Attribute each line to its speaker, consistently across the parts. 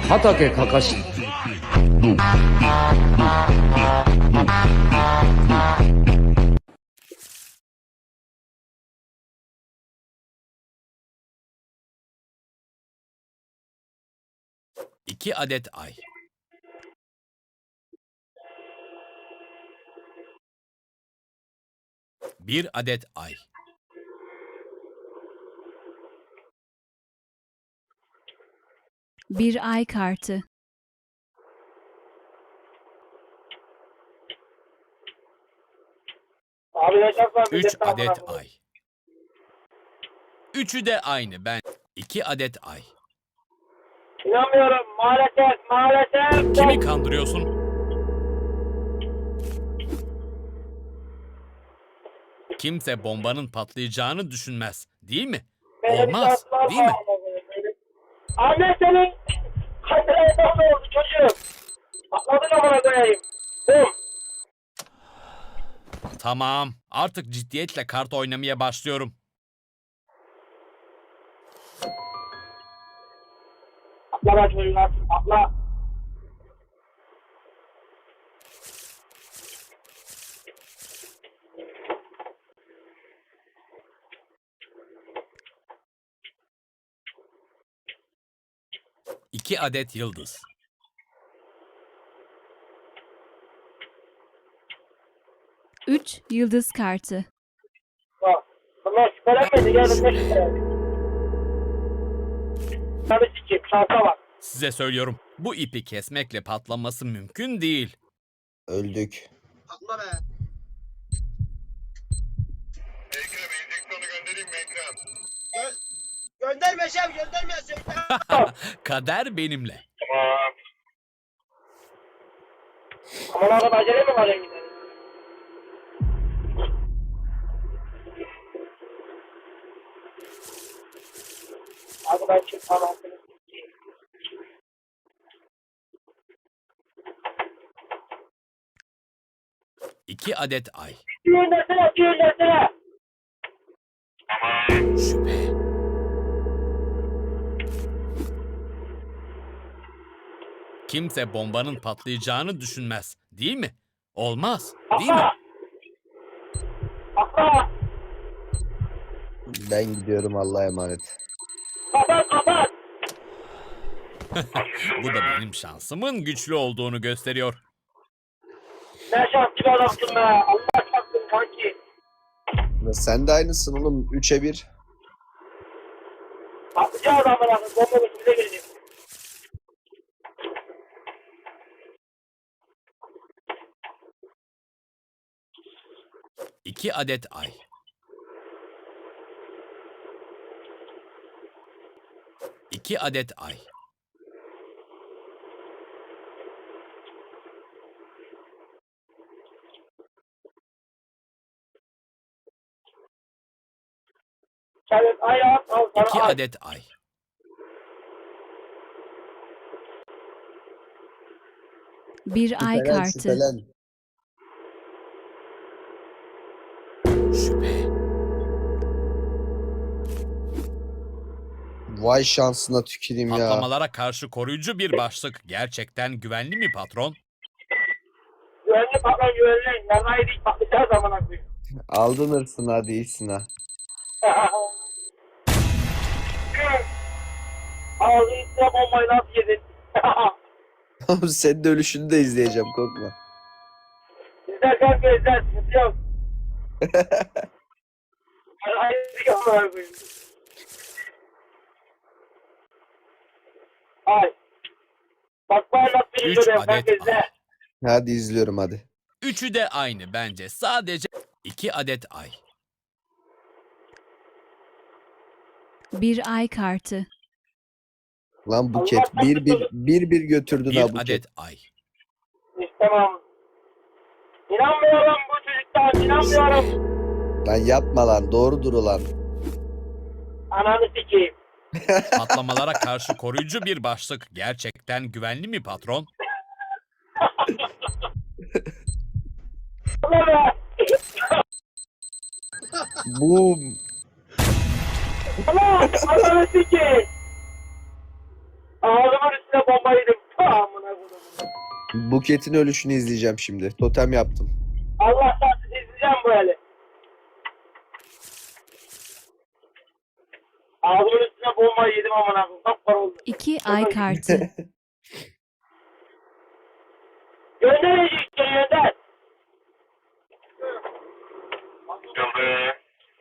Speaker 1: Hatake Kakashi.
Speaker 2: İki adet ay. Bir adet ay.
Speaker 3: Bir ay kartı.
Speaker 4: Abi ne şartlar?
Speaker 2: Üç adet ay. Üçü de aynı ben. İki adet ay.
Speaker 4: İnanmıyorum. Maalesef.
Speaker 2: Kimi kandırıyorsun? Kimse bombanın patlayacağını düşünmez, değil mi? Olmaz, değil mi?
Speaker 4: Anne senin kaçıraydan ne oldu çocuğum? Atladın amına koyayım. Bum.
Speaker 2: Tamam, artık ciddiyetle kart oynamaya başlıyorum.
Speaker 4: Atla lan çocuğum artık. Atla.
Speaker 2: İki adet yıldız.
Speaker 3: Üç yıldız kartı.
Speaker 4: Bak. Bunlar şüphelenmedi. Gelin ne şüphelenmedi. Tabii sikeyim. Şansa bak.
Speaker 2: Size söylüyorum, bu ipi kesmekle patlaması mümkün değil.
Speaker 5: Öldük.
Speaker 4: Atla be.
Speaker 6: Ekrem enjeksiyonu göndereyim mi Ekrem?
Speaker 4: Gönderme şef gönderme.
Speaker 2: Kader benimle.
Speaker 6: Tamam.
Speaker 4: Aman adam acele mi var gidelim? Hadi ben çık tamam.
Speaker 2: İki adet ay.
Speaker 4: Göndersene.
Speaker 2: Şüphe. Kimse bombanın patlayacağını düşünmez, değil mi? Olmaz, değil mi?
Speaker 4: Atla.
Speaker 5: Ben gidiyorum, Allah'a emanet.
Speaker 4: Kapat.
Speaker 2: Bu da benim şansımın güçlü olduğunu gösteriyor.
Speaker 4: Ne şanslı adamsın be. Allah şansın kanki.
Speaker 5: Sen de aynısın oğlum. 3'e 1.
Speaker 4: Atlayacağız amına. Bomba üstüne girecek.
Speaker 2: İki adet ay. İki adet ay.
Speaker 4: Sen ayağı al sana
Speaker 2: İki
Speaker 4: ay.
Speaker 2: adet ay.
Speaker 3: Bir ay
Speaker 5: Şüphelen,
Speaker 3: kartı.
Speaker 5: şüphelen.
Speaker 2: Şüphe.
Speaker 5: Vay şansına tüküreyim ya.
Speaker 2: Patlamalara karşı koruyucu bir başlık gerçekten güvenli mi patron?
Speaker 4: Güvenli patron güvenli. Yanayı dik patlayacağız amına koyayım.
Speaker 5: Aldın hırsını, hadi iyisin ha.
Speaker 4: Ağzı üstüne bombayı nasıl yedin?
Speaker 5: Oğlum senin de ölüşünü de izleyeceğim, korkma.
Speaker 4: İzler kanka izler. Sıkıntı yok. Hayır amına koyayım. Ay. Bak bu nasıl bir
Speaker 2: Üç
Speaker 4: görüyorum
Speaker 2: adet
Speaker 4: kanka
Speaker 2: ay.
Speaker 4: izle.
Speaker 5: Hadi izliyorum hadi.
Speaker 2: Üçü de aynı bence. Sadece iki adet ay.
Speaker 3: Bir ay kartı.
Speaker 5: Lan Buket bir götürdün ha
Speaker 2: Bir
Speaker 5: Buket.
Speaker 2: adet ay.
Speaker 4: İstemem. İnanmıyorum bu çocuktan. İnanmıyorum.
Speaker 5: Lan yapma lan, doğrudur ulan.
Speaker 4: Ananı sikeyim.
Speaker 2: Patlamalara karşı koruyucu bir başlık gerçekten güvenli mi patron?
Speaker 4: Allah be.
Speaker 5: Boom.
Speaker 4: Allah. Ananı sikeyim. Ağzımın üstüne bomba yedim. Amına koyayım.
Speaker 5: Buket'in ölüşünü izleyeceğim şimdi. Totem yaptım.
Speaker 4: Allah sarsın izleyeceğim böyle. Ağzımın üstüne bomba yedim amına koyayım. Kapkara oldu.
Speaker 3: 2 ay kartı.
Speaker 4: Gönder işte gönder.
Speaker 6: Gönder.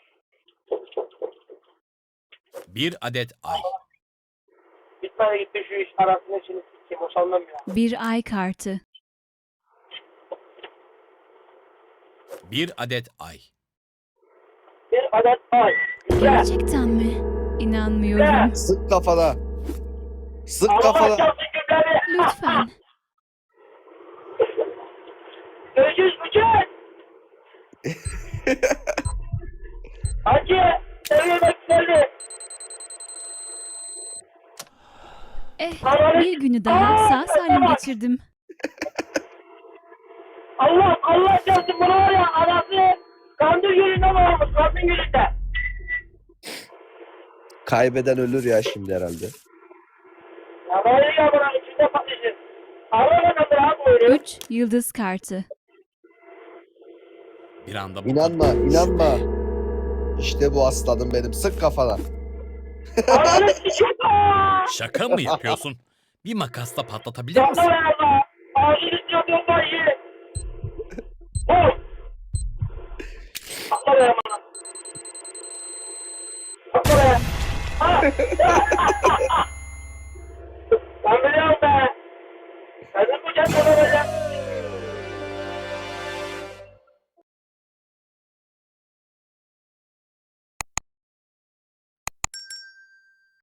Speaker 2: 1 adet ay.
Speaker 4: Bitmedi gitti şu iş arasında şimdi sikeyim. Boşanmam ya.
Speaker 3: 1 ay kartı.
Speaker 2: 1 adet ay.
Speaker 4: Bir adet ay. Güzel.
Speaker 3: Gerçekten mi? İnanmıyorum.
Speaker 5: Sık kafana. Sık
Speaker 4: Allah
Speaker 5: kafana.
Speaker 4: çalsın gülleri.
Speaker 3: Lütfen.
Speaker 4: Görüşürüz Bıçak. Hacı. Seviye bak geldi.
Speaker 3: Bir günü daha sağ salim geçirdim.
Speaker 4: Allah çalsın bunu var ya anası kandır gülünden olmuş. Kandır gülünden.
Speaker 5: Kaybeden ölür ya şimdi herhalde.
Speaker 4: Ya böyle ya bana içinde patlayacak. Allah'a kadar rahat oynuyor.
Speaker 3: 3 yıldız kartı.
Speaker 2: Bir anda bu
Speaker 5: İnanma, inanma. İşte bu aslanım benim. Sık kafana.
Speaker 4: Ananı sikeyim.
Speaker 2: şaka mı yapıyorsun? Bir makasla patlatabilir
Speaker 4: Yapma
Speaker 2: misin?
Speaker 4: be Allah. Ağzını üstüne bombayı. Oh. Atla be bana. Atla be. Ha. Ben biliyorum be. Senin bu cadde böyle.